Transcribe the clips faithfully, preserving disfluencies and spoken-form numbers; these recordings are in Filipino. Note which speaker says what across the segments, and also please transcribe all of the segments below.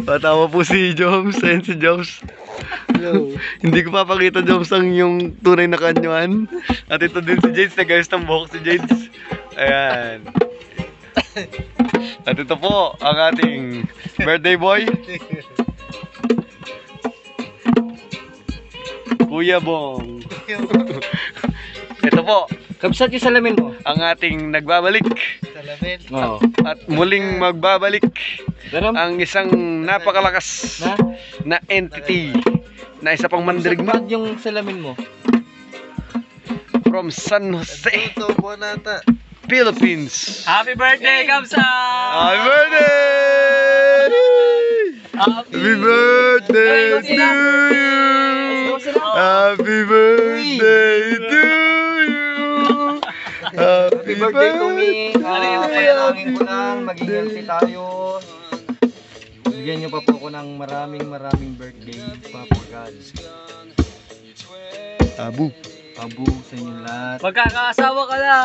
Speaker 1: Patawa po si Joms. Ayan si Joms.
Speaker 2: Hello.
Speaker 1: Hindi ko papakita, Joms, ang yung tunay na kanyuan. At ito din si Jades. Nagayos ng buhok si Jades. Ayan. At ito po ang ating birthday boy, Kuya Bong. Ito po
Speaker 2: Kabsat yung salamin mo.
Speaker 1: ang ating nagbabalik
Speaker 2: Salamin.
Speaker 1: at, at muling magbabalik
Speaker 2: Daram.
Speaker 1: ang isang napakalakas
Speaker 2: Na?
Speaker 1: na entity na isa pang mandirigma
Speaker 2: Kabsat yung salamin mo.
Speaker 1: from San Jose,
Speaker 2: Ito po nata.
Speaker 1: Philippines.
Speaker 3: Happy birthday, Kamsa!
Speaker 1: Happy birthday! Happy birthday to you! Happy birthday to you!
Speaker 2: Happy birthday to me. Ah, panalangin ko lang, maging healthy tayo. Bigyan niyo pa po ako ng maraming maraming birthday, Papa God.
Speaker 1: Tabu.
Speaker 2: Pabu sa inyo lahat.
Speaker 3: Magkakaasawa ka na!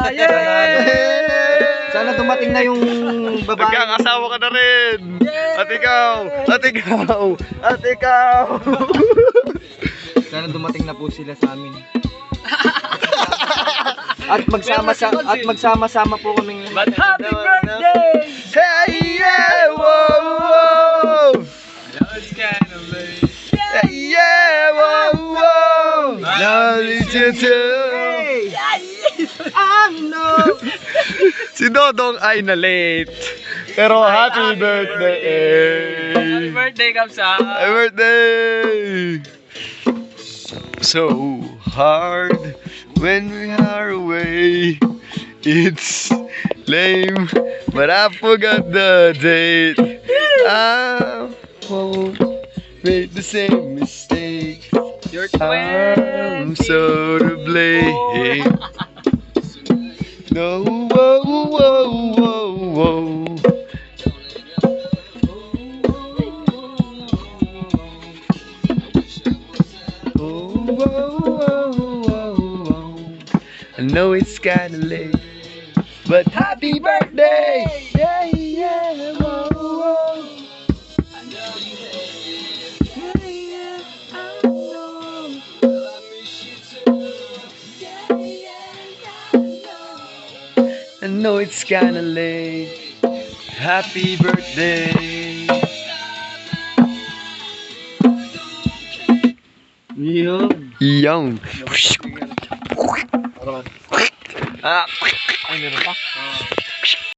Speaker 2: Sana dumating na yung babae.
Speaker 1: Magkakasawa ka na rin! At ikaw! At ikaw! At ikaw!
Speaker 2: Sana dumating na po sila sa amin. At magsama sa at magsama-sama po kaming
Speaker 3: But happy birthday!
Speaker 1: Hey yeah! Whoa! Whoa!
Speaker 3: It's kind of late.
Speaker 1: Hey yeah! Whoa! Whoa! Now it's your turn!
Speaker 2: Ano?
Speaker 1: Si Dodong ay na late. Pero happy birthday!
Speaker 3: Happy birthday, Kamsa!
Speaker 1: Happy birthday! So hard when we are away. It's lame, but I forgot the date. I won't make the same mistake.
Speaker 3: You're
Speaker 1: I'm
Speaker 3: twenty.
Speaker 1: so to blame. No, whoa, whoa, whoa, whoa. Oh, whoa, whoa, whoa, whoa. I know it's kinda late, but happy birthday! Yeah, yeah, whoa, whoa. I know it's kinda late. Happy birthday.
Speaker 2: Yun.
Speaker 1: Young. Ah.
Speaker 2: Ay, meron pa?